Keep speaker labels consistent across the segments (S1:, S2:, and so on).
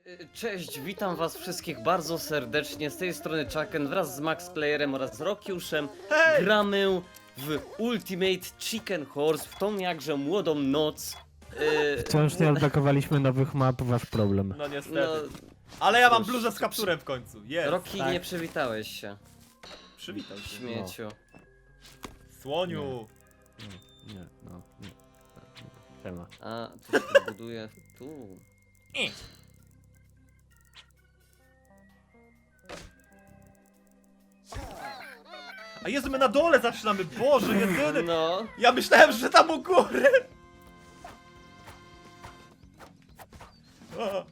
S1: Cześć, witam was wszystkich bardzo serdecznie, z tej strony Chucken wraz z Maxplayerem oraz Rokiuszem.
S2: Hej!
S1: Gramy w Ultimate Chicken Horse, w tą jakże młodą noc.
S3: Wciąż nie odblokowaliśmy nowych map, wasz problem.
S2: No niestety.
S1: No,
S2: Ale ja mam
S1: cóż,
S2: bluzę z kapturem w końcu. Jest.
S1: Roki,
S3: tak.
S1: nie przywitałeś się,
S2: Przywitaj się.
S1: śmieciu.
S2: Słoniu.
S3: Nie, no, nie. Siema.
S1: A, to się buduje tu.
S2: A Jezu, my na dole zaczynamy. Boże, jedyny.
S1: No,
S2: Ja myślałem, że tam u góry. A.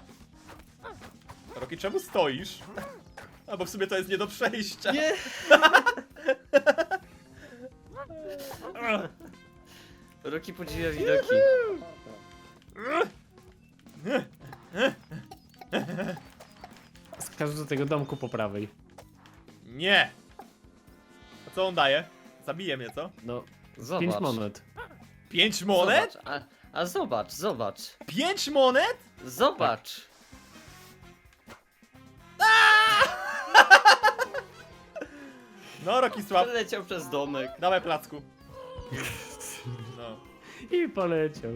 S2: Roki, czemu stoisz? A bo w sumie to jest nie do przejścia.
S1: nie! Roki podziwia widoki.
S3: Skacz do tego domku po prawej.
S2: Nie. A co on daje? Zabije mnie, co?
S3: No,
S1: Zobacz.
S3: 5 monet.
S2: 5 monet?
S1: Zobacz, a zobacz, zobacz.
S2: 5 monet?
S1: Zobacz.
S2: No, Rokisław.
S1: Przeleciał przez domek.
S2: Dawaj placku. No.
S3: I poleciał.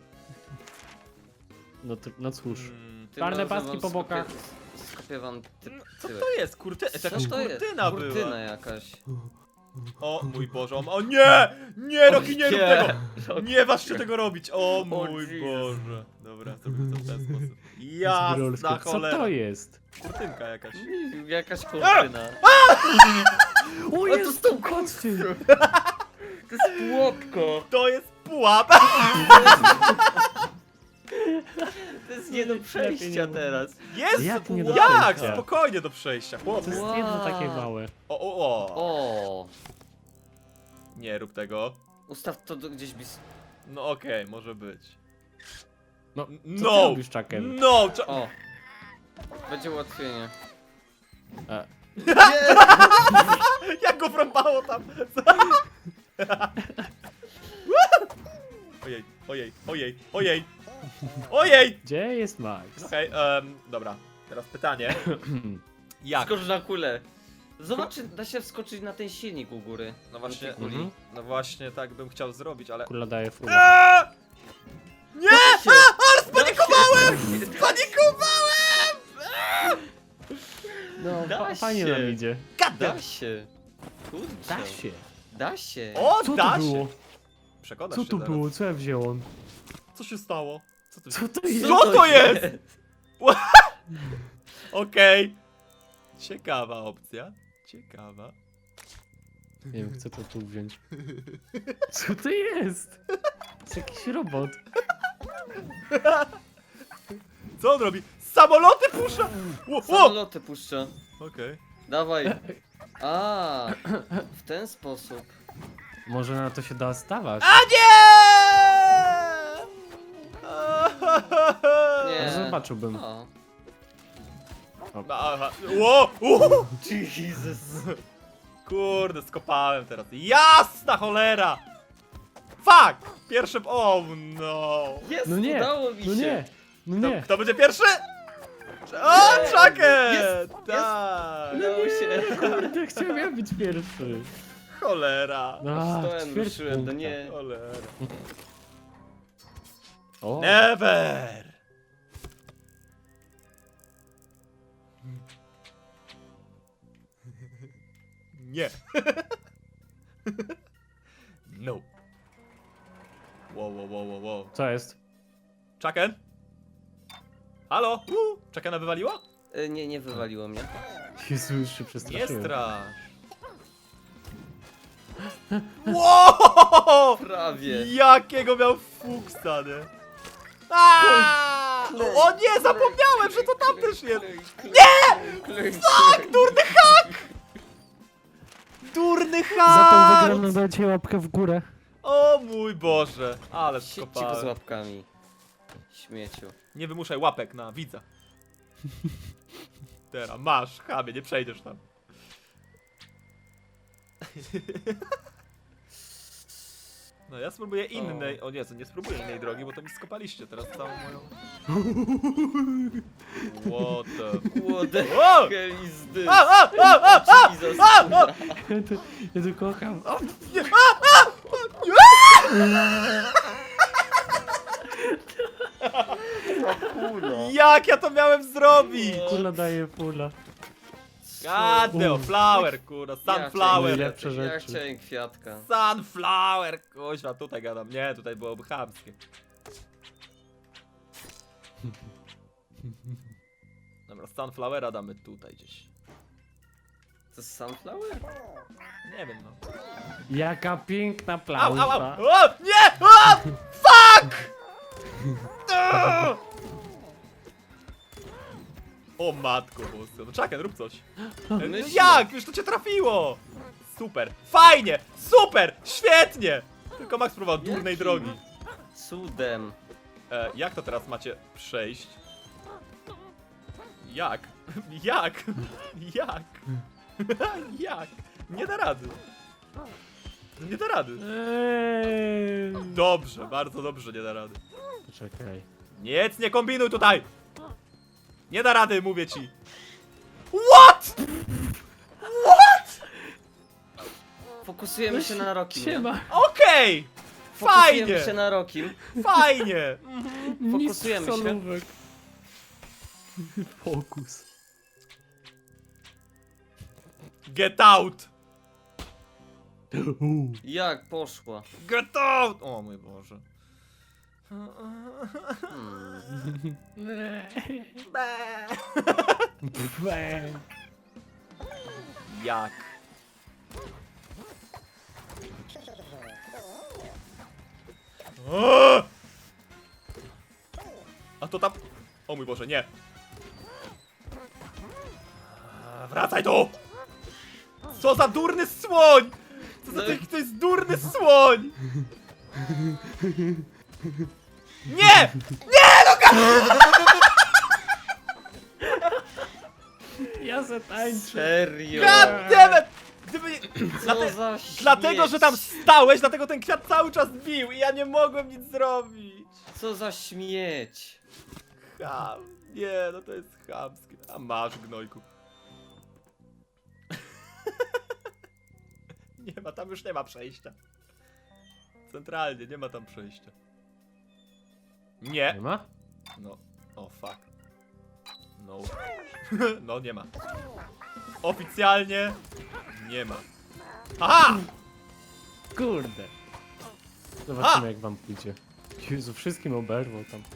S3: No cóż.
S1: Tym
S3: Czarne
S1: razem
S3: paski
S1: wam
S3: po bokach.
S1: Skopię wam
S2: Co
S1: tyłek.
S2: to jest? Kurtyna? To jakaś
S1: Co to jest?
S2: kurtyna była.
S1: Kurtyna jakaś.
S2: O mój Boże, o nie! Nie, Roki, nie rób
S1: nie.
S2: tego!
S1: Roki.
S2: Nie waż się tego robić! O mój
S1: Jesus.
S2: Boże. Dobra, zrobimy to w ten sposób.
S3: Zbrolsko.
S2: Jasna
S3: Co
S2: cholera.
S3: to jest?
S2: Kurtynka jakaś.
S1: Jakaś kurtyna.
S3: O,
S1: to
S3: jest
S1: są
S3: koty!
S1: To jest płotko.
S2: To jest pułap!
S1: To jest nie do przejścia teraz.
S2: Jest!
S3: Jak nie do
S2: Jak?
S3: przejścia?
S2: Spokojnie do przejścia, chłopie.
S3: To jest
S1: Wow.
S3: jedno takie małe.
S2: O.
S1: O,
S2: Nie rób tego.
S1: ustaw to gdzieś blisko.
S2: No okej, może być.
S3: No, co ty
S2: No!
S3: robisz, Chucken?
S2: No!
S1: O. Będzie ułatwienie.
S3: A,
S2: Jak go frąbało tam? Ojej, ojej, ojej, ojej. Ojej!
S3: gdzie jest Max?
S2: Okej, dobra. Teraz pytanie. Jak?
S1: Skocz na kulę. Zobacz, czy da się wskoczyć na ten silnik u góry.
S2: No właśnie,
S1: Na tej kuli.
S3: Mhm.
S2: no właśnie tak bym chciał zrobić, ale...
S3: Kula daje furę.
S2: Eee! Nie!
S1: Da się.
S2: Ale spanikowałem! Spanikowałem!
S3: No,
S1: Da
S3: fajnie
S1: się.
S3: nam idzie.
S1: Da się. Kurczę.
S3: Da się.
S1: Da się.
S2: O,
S3: Co
S2: da
S3: to
S2: się!
S3: było?
S2: Przekonasz
S3: Co
S2: się
S3: to
S2: zaraz.
S3: było? Co ja wziąłem?
S2: Co się stało? Co to
S3: Co to jest?
S2: Co to jest? Okej. Ciekawa opcja. Ciekawa.
S3: Nie wiem, chcę to tu wziąć. Co to jest? To jest jakiś robot.
S2: Co on robi? Samoloty pusza! Ło, ło!
S1: Samoloty puszcza.
S2: Okej.
S1: Dawaj. A, w ten sposób.
S3: Może na to się da stawać.
S2: A nie!
S1: Nie.
S3: No, zobaczyłbym.
S1: O.
S2: Aha. Ło!
S1: Jesus.
S2: Kurde, skopałem teraz. Jasna cholera! Fuck! Pierwszy... O no!
S1: Jest,
S3: No nie,
S1: udało mi się.
S3: no nie, no
S2: Kto,
S3: nie.
S2: kto będzie pierwszy? O,
S1: Nie.
S2: Chucken!
S1: Jest,
S2: Tak!
S1: Udało się.
S3: Kurde, chciałem ja być pierwszy.
S2: Cholera!
S3: No,
S1: Stołem
S3: ćwierć
S1: ruszyłem, no
S3: punkta.
S1: nie.
S2: Cholera.
S3: O,
S2: Never! Nie. No. Wow.
S3: co jest?
S2: Chucken? Halo? Chuckena wywaliło?
S1: Nie wywaliło mnie.
S3: Jezu, już się
S2: Nie
S3: przestraszyłem.
S2: strasz. Wow!
S1: Prawie.
S2: Jakiego miał fuksa, nie? Aaaa! O nie, zapomniałem, że to tam też jest!
S1: Nie!
S2: Tak, durny hak! Durny
S3: Za tą
S2: hak!
S3: wygraną dajcie łapkę w górę.
S2: O mój Boże, ale
S1: Siedźcie go z
S2: skopałem.
S1: łapkami. Śmieciu.
S2: Nie wymuszaj łapek na widza. Teraz masz, chamie, nie przejdziesz tam. No ja spróbuję innej. O nie, nie spróbuję innej drogi, bo to mi skopaliście teraz całą moją. What the...
S1: What the
S2: O!
S1: hell is this?
S2: A!
S1: Jesus.
S3: Ja tu kocham. O,
S2: Jak ja to miałem zrobić?
S3: kula daje pula.
S2: Gadeo, flower, kurwa, sunflower.
S3: Lepsze
S1: Ja
S3: rzeczy.
S1: chciałem kwiatka.
S2: Sunflower, kuźwa, tutaj gadam. Nie, tutaj byłoby chamskie. Dobra, sunflowera damy tutaj gdzieś.
S1: To jest sunflower?
S2: Nie wiem, no.
S3: Jaka piękna
S2: Au,
S3: plaża.
S2: au, au! O, nie! O! Fuck! O matko boska, no czekaj, rób coś. No
S1: Myślę.
S2: jak? Już to cię trafiło! Super, fajnie, super, świetnie! Tylko Max próbował durnej
S1: Jakim?
S2: drogi.
S1: Cudem.
S2: Jak to teraz macie przejść? Jak? Jak? Jak? Jak? Nie da rady. Nie da rady. Dobrze, bardzo dobrze nie da rady.
S3: Poczekaj.
S2: Nic nie kombinuj tutaj! Nie da rady, mówię ci. What?
S1: Fokusujemy się na Rokim. nie?
S3: Siema.
S2: Okej!
S1: Fokusujemy
S2: Fajnie!
S1: się na Rokim.
S2: Fajnie!
S1: Fokusujemy się.
S3: Solówek. Fokus.
S2: Get out!
S1: Jak poszła?
S2: Get out! O mój Boże. Jak? O! A to tam... O mój Boże, nie. Wracaj tu! Co za durny słoń! Co za to jest durny słoń! Nie!
S3: Ja se tańczę.
S1: Serio?
S2: God damn it! Gdyby nie...
S1: Co za
S2: Dlatego,
S1: śmieć.
S2: że tam stałeś, dlatego ten kwiat cały czas bił i ja nie mogłem nic zrobić.
S1: Co za śmieć.
S2: Nie, no to jest chamskie. A masz, gnojku. Nie ma, tam już nie ma przejścia. Centralnie, nie ma tam przejścia.
S3: Nie
S2: Nie.
S3: ma?
S2: No, o fuck. No. No, nie ma. Oficjalnie nie ma. Aha!
S3: Kurde. Zobaczymy jak wam pójdzie. Jezu, wszystkim oberwał tam.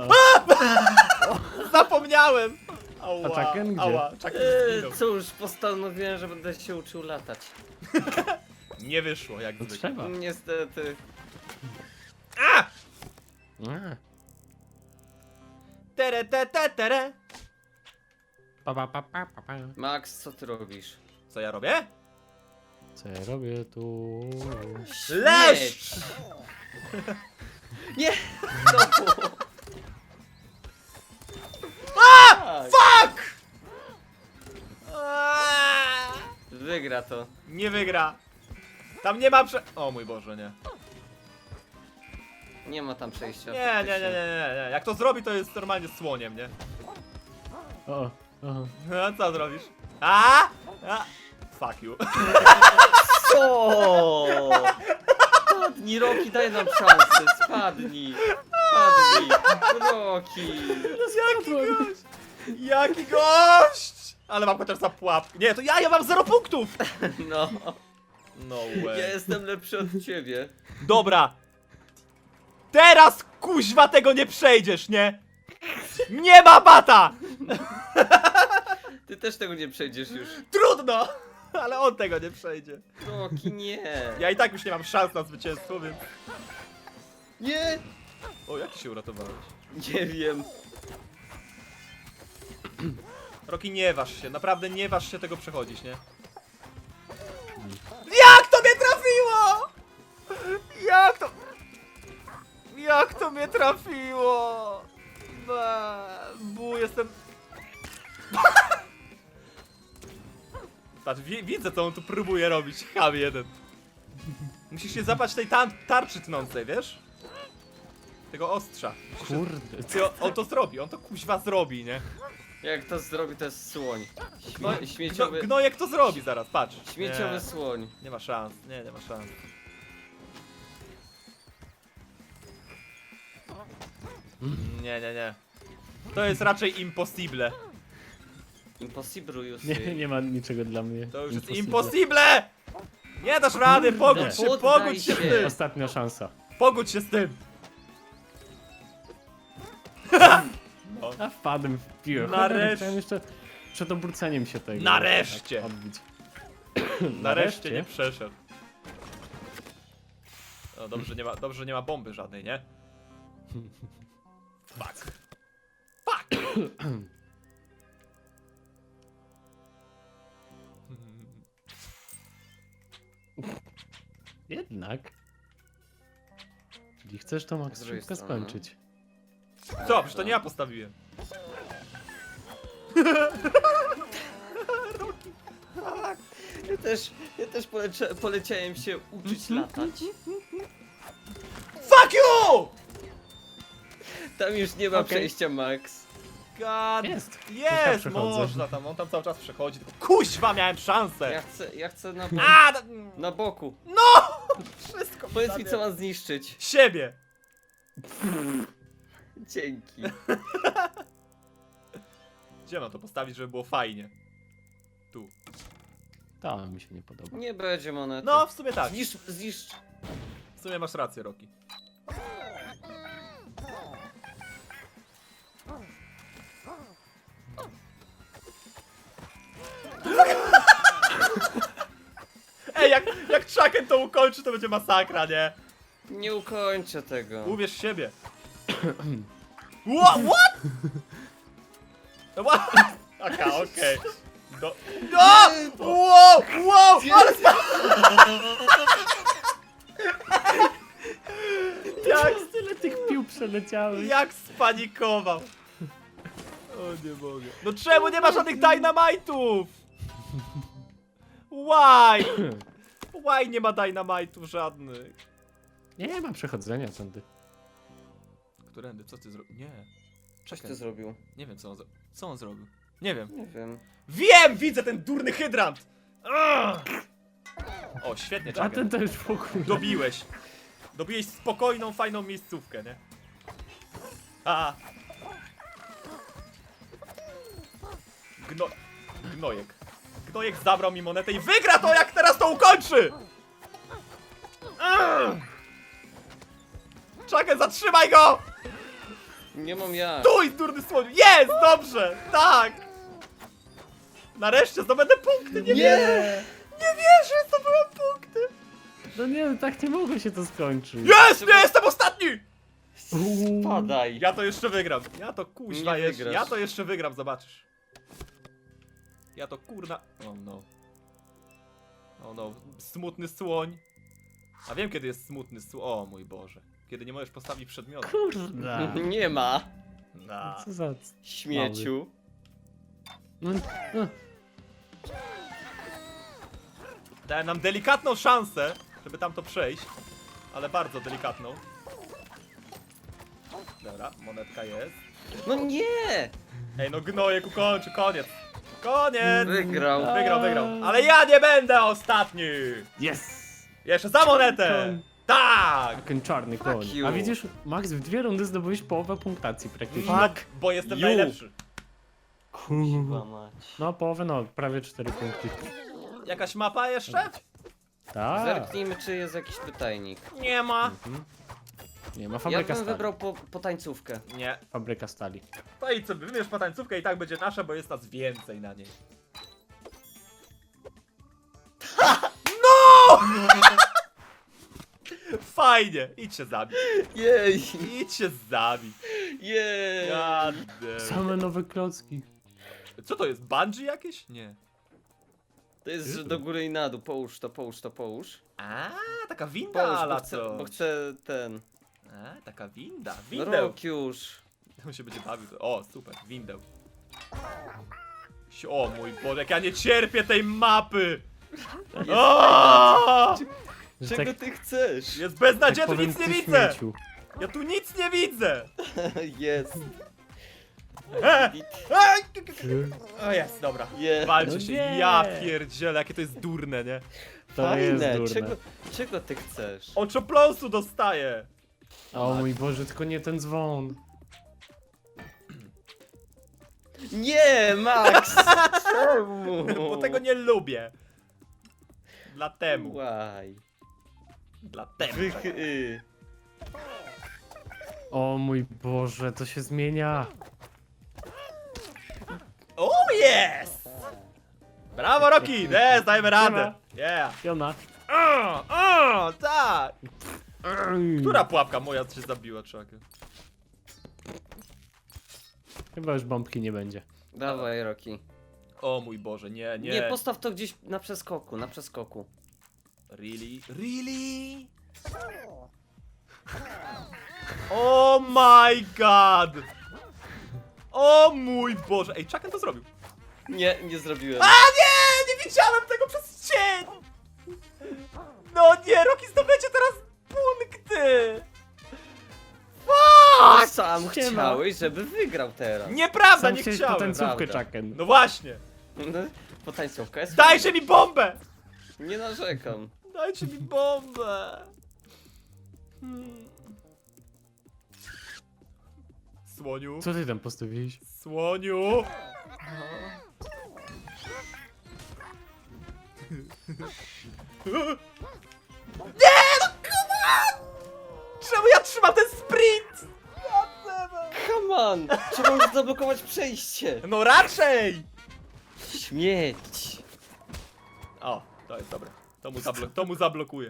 S2: Zapomniałem! Ała,
S3: A Chucken gdzie?
S2: ała, Chucken zginął.
S1: Cóż, postanowiłem, że będę się uczył latać.
S2: Nie wyszło, jak
S3: No
S2: zwykle.
S3: trzeba.
S1: Niestety.
S2: A!
S3: A,
S2: Tere, te, te, tere.
S3: pa, pa, pa, pa, pa, pa.
S1: Max, co ty robisz?
S2: Co ja robię?
S3: Co ja robię tu?
S2: Leszcz!
S1: Nie! Znowu! Tak,
S2: Fuck! Aaaa!
S1: wygra to.
S2: Nie wygra. Tam nie ma O mój Boże, nie.
S1: Nie ma tam przejścia.
S2: Nie, nie, nie, nie,
S1: faktycznie.
S2: nie, nie. Jak to zrobi, to jest normalnie słoniem, nie?
S3: O, o.
S2: No, co zrobisz? A? Fuck you.
S1: Co? Spadnij, Roki, daj nam szansę. Spadnij. Spadnij. Roki.
S2: Jaki gość! Jaki gość! Ale mam chociaż za pułapkę. Nie, to ja mam 0 punktów!
S1: No.
S2: No
S1: Ja
S2: way.
S1: jestem lepszy od ciebie.
S2: Dobra. Teraz kuźwa tego nie przejdziesz, nie? Nie ma bata!
S1: Ty też tego nie przejdziesz już.
S2: Trudno! Ale on tego nie przejdzie.
S1: Roki, nie.
S2: Ja i tak już nie mam szans na zwycięstwo, więc...
S1: Nie.
S2: O, jak się uratowałeś?
S1: Nie wiem.
S2: Roki, nie waż się, naprawdę nie waż się tego przechodzić, nie? Jak to mnie trafiło? Jak to mnie trafiło? Jestem... Patrz, widzę co on tu próbuje robić, ham jeden. Musisz się zapać tej tarczy tnącej, wiesz? Tego ostrza. Musisz się...
S3: Kurde.
S2: On to zrobi, on to kuźwa zrobi, nie?
S1: Jak to zrobi, to jest słoń. Śmieciowy,
S2: Gnojek to zrobi zaraz, patrz.
S1: śmieciowy
S2: Nie,
S1: słoń.
S2: nie ma szans, nie ma szans. Nie. To jest raczej impossible.
S1: Impossible już.
S3: Nie ma niczego dla mnie.
S2: To już jest
S3: Impossible.
S2: impossible! Nie dasz rady, pogódź się,
S1: Poddaj
S2: pogódź się z
S1: się.
S2: tym!
S3: Ostatnia szansa.
S2: Pogódź się z tym!
S3: A wpadłem w piłę.
S2: Nareszcie.
S3: Chciałem jeszcze przed obróceniem się tego.
S2: Nareszcie.
S3: tak odbić.
S2: Nareszcie nie przeszedł. No dobrze, że nie ma bomby żadnej, nie? Fuck. Fuck!
S3: Jednak. Czyli chcesz to Max
S1: Z drugiej
S3: szybko
S1: strony.
S3: skończyć.
S2: Co? Przecież to nie ja postawiłem.
S1: Ja też poleciałem się uczyć latać.
S2: Fuck you!
S1: Tam już nie ma
S3: Okej.
S1: przejścia, Max.
S2: God.
S3: Jest.
S2: Jest,
S3: Ja przechodzę.
S2: można tam, on tam cały czas przechodzi, tylko kuźwa miałem szansę!
S1: Ja chcę na,
S2: A,
S1: na boku.
S2: no! Wszystko
S1: Powiedz mi,
S2: zabiera.
S1: co mam zniszczyć.
S2: Siebie!
S1: Dzięki.
S2: Gdzie mam to postawić, żeby było fajnie? Tu.
S3: To mi się nie podoba.
S1: Nie będzie monety.
S2: No, w sumie tak.
S1: Zniszcz.
S2: W sumie masz rację, Roki. Ej, jak Chucken to ukończy, to będzie masakra, nie?
S1: Nie ukończę tego.
S2: Uwierz w siebie. What? What? Aha, okej. Do... No! Wow! Ale
S3: Jak tyle tych pił przeleciały.
S2: jak spanikował. O nie mogę. No czemu nie ma żadnych dynamite'ów? Why? Why nie ma dynamite'ów żadnych?
S3: Nie ma przechodzenia tędy.
S2: Którędy? Co ty zrobił? Nie.
S1: Coś
S2: Czekaj.
S1: ty zrobił.
S2: Nie wiem co on zrobił. Nie wiem.
S1: Nie wiem.
S2: Wiem! Widzę ten durny hydrant! O, świetnie,
S3: A
S2: Chucken.
S3: ten to już w ogóle.
S2: Dobiłeś. Dobiłeś spokojną, fajną miejscówkę, nie? A. Gnojek. Gnojek zabrał mi monetę i wygra to, jak teraz to ukończy! Chucken, zatrzymaj go!
S1: Nie mam jak.
S2: Stój, durny słoń! Jest! Dobrze! Tak! Nareszcie zdobędę punkty! Nie wierzę! Nie wierzę, zdobyłem punkty!
S3: No nie, tak nie mogło się to skończyć.
S2: Jest! Nie jestem ostatni!
S1: Spadaj.
S2: Ja to jeszcze wygram. Ja to kuźwa
S1: Nie
S2: jeszcze.
S1: wygrasz.
S2: Ja to jeszcze wygram, zobaczysz. Ja to kurna. Oh no. Oh no. Smutny słoń. A wiem kiedy jest smutny słoń. O mój Boże. Kiedy nie możesz postawić przedmiotu.
S3: Kurde.
S1: Nie ma.
S2: Na.
S3: Co za...
S1: Śmieciu.
S3: No, no.
S2: Dałem nam delikatną szansę, żeby tam to przejść. Ale bardzo delikatną. Dobra, monetka jest.
S1: No nie!
S2: Ej no gnojek ukończy, koniec. Koniec!
S1: Wygrał.
S2: Wygrał. Ale ja nie będę ostatni!
S3: Yes!
S2: Jeszcze za monetę!
S3: Koń.
S2: Tak!
S3: Ten czarny koń.
S1: you.
S3: A widzisz, Max, w 2 rundy zdobyłeś połowę punktacji praktycznie.
S2: No, bo jestem
S1: You.
S2: najlepszy.
S1: Kurwa mać.
S3: No połowę, no prawie 4 punkty.
S2: Jakaś mapa jeszcze?
S3: Tak.
S1: Zerknijmy, czy jest jakiś pytajnik.
S2: Nie ma.
S3: Nie ma
S1: Ja
S3: fabryka
S1: bym
S3: stali.
S1: wybrał po tańcówkę.
S2: Nie.
S3: Fabryka stali.
S2: To idź sobie, wybierz patańcówkę i tak będzie nasza, bo jest nas więcej na niej. No! Fajnie, idź się zabić.
S1: Jej!
S2: Idź się zabić.
S1: Jej!
S2: God damn.
S3: Same nowe klocki.
S2: Co to jest, bungee jakieś? Nie.
S1: To jest, że do góry i na dół. Połóż to, połóż to, połóż.
S2: A, taka winda,
S1: Połóż,
S2: ala
S1: bo chcę ten...
S2: A, taka winda.
S1: No
S2: Windeł.
S1: rok już.
S2: On się będzie bawił. O, super, windeł. O mój Boże, jak ja nie cierpię tej mapy! O!
S3: Że
S1: Czego
S3: tak-
S1: ty chcesz?
S2: Jest beznadziejnie,
S3: tak
S2: tu nic
S3: powiem,
S2: nie
S3: ty
S2: widzę!
S3: śmieciu.
S2: Ja tu nic nie widzę!
S1: Jest.
S2: O jest, dobra.
S1: Jest.
S2: Walczy
S3: No
S2: się,
S3: nie.
S2: ja pierdzielę, jakie to jest durne, nie?
S3: To jest
S1: Fajne.
S3: durne.
S1: Czego ty chcesz?
S2: Oczopląsu dostaję!
S3: O mój Boże, tylko nie ten dzwon.
S1: Nie, Max! Czemu?
S2: Bo tego nie lubię. Dlatemu.
S1: Łaj.
S2: Dlatemu.
S3: O mój Boże, to się zmienia.
S2: O jest! Brawo Rocky! Jest, dajmy radę! Yeah!
S3: Jona.
S2: Tak! Która pułapka moja się zabiła, czakę?
S3: Chyba już bombki nie będzie.
S1: Dawaj, Rocky.
S2: O mój Boże, nie, nie.
S1: Nie, postaw to gdzieś na przeskoku, na przeskoku.
S2: Really? Really? Oh my god! O mój Boże! Ej, Chucken to zrobił.
S1: Nie, nie zrobiłem.
S2: A nie! Nie widziałem tego przez cień! No nie, Rocky zdobędzie teraz punkty! Fuck!
S1: Sam
S3: Siema.
S1: chciałeś, żeby wygrał teraz.
S2: Nieprawda,
S3: Sam
S2: nie
S3: chciałeś
S2: chciałem!
S3: potańcówkę,
S1: prawda.
S3: Chucken.
S2: No właśnie!
S1: No, Potańcówka jest
S2: Dajcie mi bombę!
S1: Nie narzekam.
S2: Dajcie mi bombę! Hmm. Słoniu?
S3: Co ty tam postawiłeś?
S2: Słoniu! Nie, no come on! Czemu ja trzymam ten sprint?
S1: Come on! Trzeba już zablokować przejście.
S2: No raczej!
S1: Śmieć.
S2: O, to jest dobre. To mu zablokuje.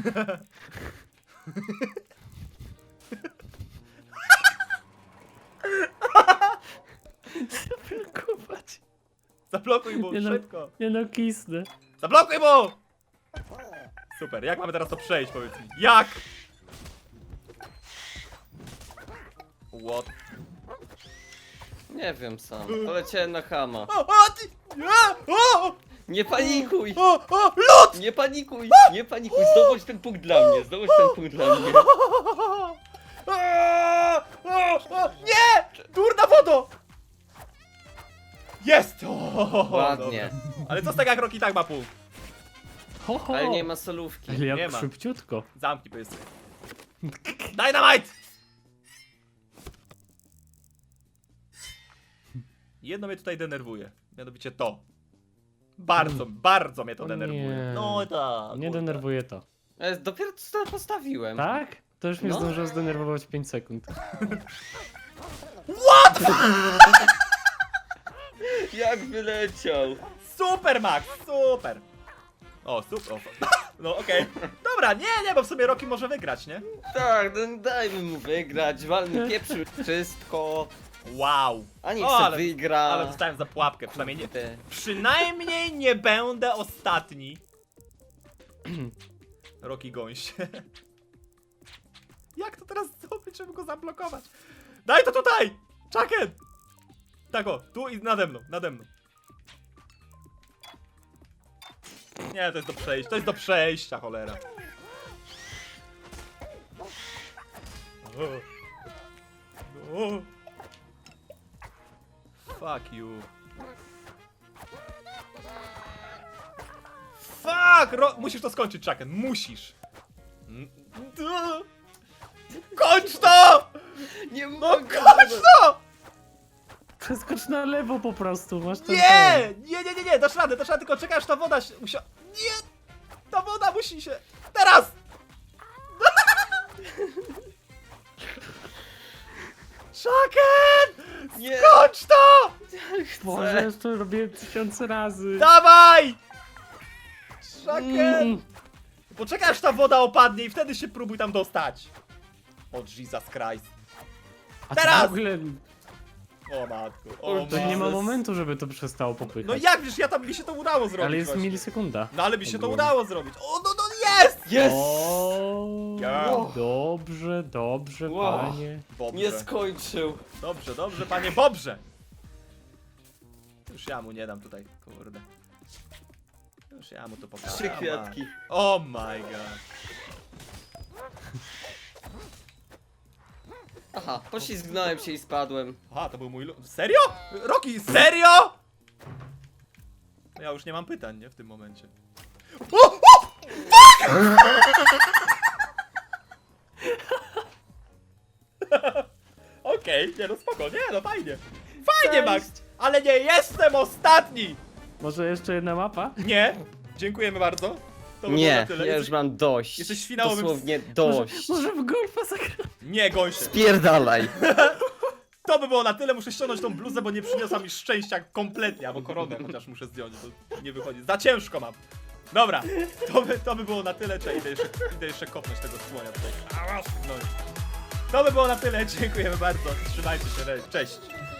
S3: Zablokować.
S2: Zablokuj mu,
S3: Nie no.
S2: szybko.
S3: Nie no, kisnę.
S2: Zablokuj mu! Super, jak mamy teraz to przejść, powiedz mi? Jak? What?
S1: Nie wiem sam. Poleciałem na Hama.
S2: O, ty! O!
S1: Nie panikuj!
S2: O! Lód!
S1: Nie panikuj! Nie panikuj! Zdobądź ten punkt dla mnie! Zdobądź ten punkt dla mnie!
S2: Nie! Durna wodo! Jest! O,
S1: Ładnie.
S2: dobra. Ale co z tego, jak Rocky tak ma punkt?
S3: Ho, ho.
S1: Ale nie ma solówki.
S3: Ale
S2: Nie
S3: jak
S2: ma.
S3: szybciutko.
S2: Zamknij pysy. Dynamite! Jedno mnie tutaj denerwuje. Mianowicie to. Bardzo mnie to
S3: O
S2: denerwuje.
S3: nie.
S2: No tak.
S3: Nie denerwuje to.
S1: Dopiero co postawiłem.
S3: Tak? To już mnie
S1: No.
S3: zdążyło zdenerwować 5 sekund.
S1: Jak wyleciał!
S2: Super, Max! Super! O, super. No okej. Dobra, nie, bo w sumie Rocky może wygrać, nie?
S1: Tak, no dajmy mu wygrać, walmy pieprzu wszystko.
S2: Wow.
S1: A niech
S2: O,
S1: se
S2: ale-
S1: wygra.
S2: Ale dostałem za pułapkę, przynajmniej nie będę ostatni. Rocky gąś. Jak to teraz zrobić, żeby go zablokować? Daj to tutaj! Chucken! Tak o, tu i nade mną, nade mną. Nie, to jest do przejścia, to jest do przejścia, cholera. O. Fuck you. Fuck! Musisz to skończyć, Chucken, musisz. Kończ to!
S1: Nie
S2: No
S1: mogę!
S2: kończ to!
S3: Przeskocz na lewo po prostu, masz ten
S2: Nie! Nie, dasz radę, tylko czekaj aż ta woda się... Nie! Ta woda musi się... Teraz! Chucken!
S1: Nie!
S2: Kończ to!
S3: Boże, to robię 1000 razy.
S2: Dawaj! Chucken!
S3: Mm.
S2: Poczekaj aż ta woda opadnie i wtedy się próbuj tam dostać. O Jesus Christ.
S3: A
S2: Teraz!
S3: to w ogóle
S2: O matko, o
S1: To
S3: to nie ma
S2: matko.
S3: momentu, żeby to przestało popychać.
S2: No jak wiesz, mi się to udało zrobić
S3: Ale jest
S2: właśnie.
S3: milisekunda.
S2: No ale mi się to
S3: Ogólnie.
S2: udało zrobić. O, no jest!
S1: Jest!
S3: O,
S2: Ja.
S3: dobrze,
S1: Wow.
S3: panie.
S2: Dobrze.
S1: Nie skończył.
S2: Dobrze, panie Bobrze. Już ja mu nie dam tutaj, kurde. Już ja mu to pokażę.
S1: 3 kwiatki.
S2: Oh my god.
S1: Aha, poślizgnąłem się i spadłem.
S2: Aha, to był mój Serio? Rocky, serio? Ja już nie mam pytań, nie? W tym momencie. O! O! Fuck! Okej, nie no spoko, nie no fajnie. Fajnie, Max! Ale nie jestem ostatni!
S3: Może jeszcze jedna mapa?
S2: Nie, dziękujemy bardzo. To by było
S1: Nie,
S2: na tyle.
S1: ja już mam dość.
S2: Jesteś finałowym-
S1: Dosłownie dość.
S3: Może w golfa zagrać?
S2: Nie, goń się.
S1: Spierdalaj.
S2: To by było na tyle, muszę ściągnąć tą bluzę, bo nie przyniosła mi szczęścia kompletnie, albo koronę chociaż muszę zdjąć, to nie wychodzi. Za ciężko mam. Dobra, to by było na tyle, czy idę jeszcze kopnąć tego słonia tutaj. No. To by było na tyle, dziękujemy bardzo, trzymajcie się, cześć.